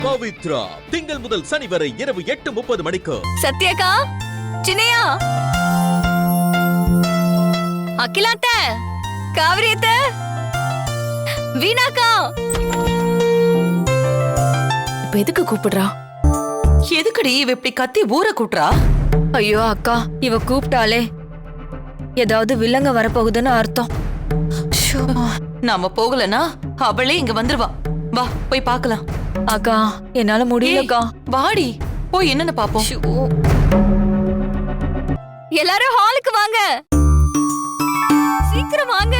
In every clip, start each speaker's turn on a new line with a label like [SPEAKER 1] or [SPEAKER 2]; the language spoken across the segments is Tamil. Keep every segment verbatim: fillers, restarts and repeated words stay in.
[SPEAKER 1] பவித்ரா திங்கள் முதல் சனி வரை இரவு எட்டு முப்பது மணிக்கு.
[SPEAKER 2] சத்யாக்கா, சின்னையா, அகிலாத்த, காவிரியத்த, வீணாக்கா.
[SPEAKER 3] இப்ப எதுக்கு கூப்பிடுறா?
[SPEAKER 4] எதுக்குடி இவ இப்படி கத்தி ஊற கூட்டுறா?
[SPEAKER 3] ஐயோ அக்கா, இவ கூப்பிட்டாலே ஏதாவது வில்லங்க வரப்போகுதுன்னு அர்த்தம்.
[SPEAKER 4] நாம போகலனா அவளே இங்க வந்துருவா. வா போய் பார்க்கலாம்.
[SPEAKER 3] அக்கா என்னால முடியலக்கா.
[SPEAKER 4] வாடி போய் என்னன்னு பாப்போம்.
[SPEAKER 2] எல்லாரும் ஹாலுக்கு வாங்க, சீக்கிரம் வாங்க.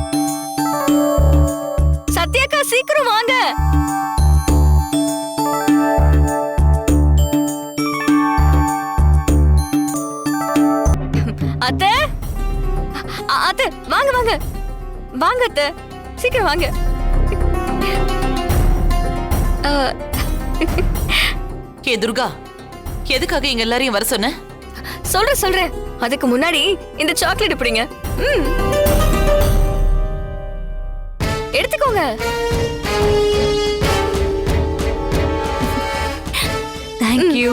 [SPEAKER 2] சத்யாக்கா சீக்கிரம் வாங்க. அத்தை, அத்தை வாங்க வாங்க வாங்க அத்தை, சீக்கிரம் வாங்க.
[SPEAKER 4] ஏ துர்கா, எதுக்காக இங்க எல்லாரையும் வர சொன்ன?
[SPEAKER 2] சொல்றேன் சொல்றேன். அதுக்கு முன்னாடி இந்த சாக்லேட் பிடிங்க. ம், எடுத்துக்கோங்க.
[SPEAKER 3] Thank you.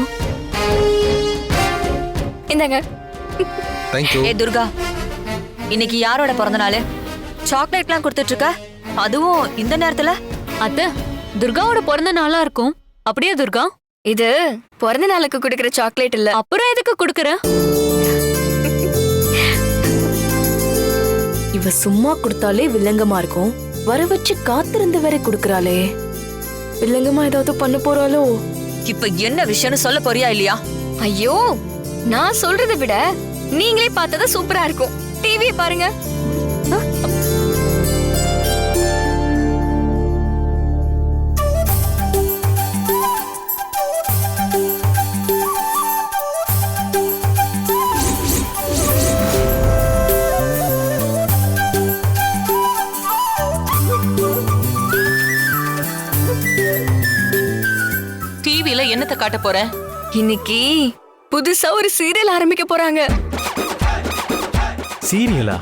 [SPEAKER 2] இந்தாங்க.
[SPEAKER 5] Thank you.
[SPEAKER 3] ஏ துர்கா, இன்னைக்கு யாரோட பிறந்த நாள்? சாக்லேட்லாம் கொடுத்துட்டு இருக்க, அதுவும் இந்த நேரத்துல?
[SPEAKER 2] அத்தை, துர்காவோட பிறந்த நாளா இருக்கும். அப்படியே துர்கா? இது பிறந்த நாளுக்கு குடுக்கிற சாக்லேட் இல்ல. அப்புறம் எதுக்கு குடுக்கற?
[SPEAKER 3] இவ சும்மா கொடுத்தாலே வில்லங்கமா இருக்கும், வர வச்சு காத்திருந்து வரை குடுக்கறாளே. வில்லங்கமா ஏதாவது பண்ண போறாளோ? இப்ப என்ன விஷயம்னு சொல்ல போறியா இல்லையா?
[SPEAKER 2] ஐயோ, நான் சொல்றதை விட நீங்களே பார்த்ததா சூப்பரா இருக்கும். டிவியை பாருங்க.
[SPEAKER 4] டிவில என்னத்தை காட்ட போற?
[SPEAKER 2] இன்னைக்கு புதுசா ஒரு சீரியல் ஆரம்பிக்க போறாங்க.
[SPEAKER 5] சீரியலா?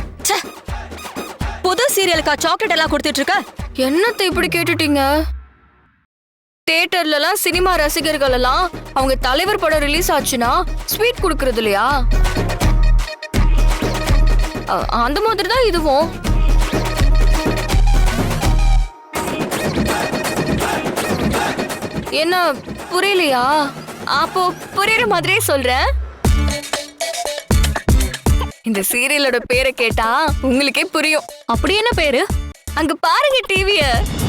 [SPEAKER 3] புது சீரியலுக்கா சாக்லேட் எல்லாம் கொடுத்துட்டு இருக்க?
[SPEAKER 2] என்னத்தை இப்படி கேட்டுட்டீங்க? தியேட்டர்ல எல்லாம் சினிமா ரசிகர்கள் எல்லாம் அவங்க தலைவர் படம் ரிலீஸ் ஆச்சுன்னா ஸ்வீட் குடுக்கறது இல்லையா? அ- அந்த மாதிரி தான் இதுவும். என்ன புரியலையா? அப்போ புரியுற மாதிரியே சொல்றேன். இந்த சீரியலோட பேரை கேட்டா உங்களுக்கே புரியும். அப்படி என்ன பேரு? அங்க பாருங்க டிவிய.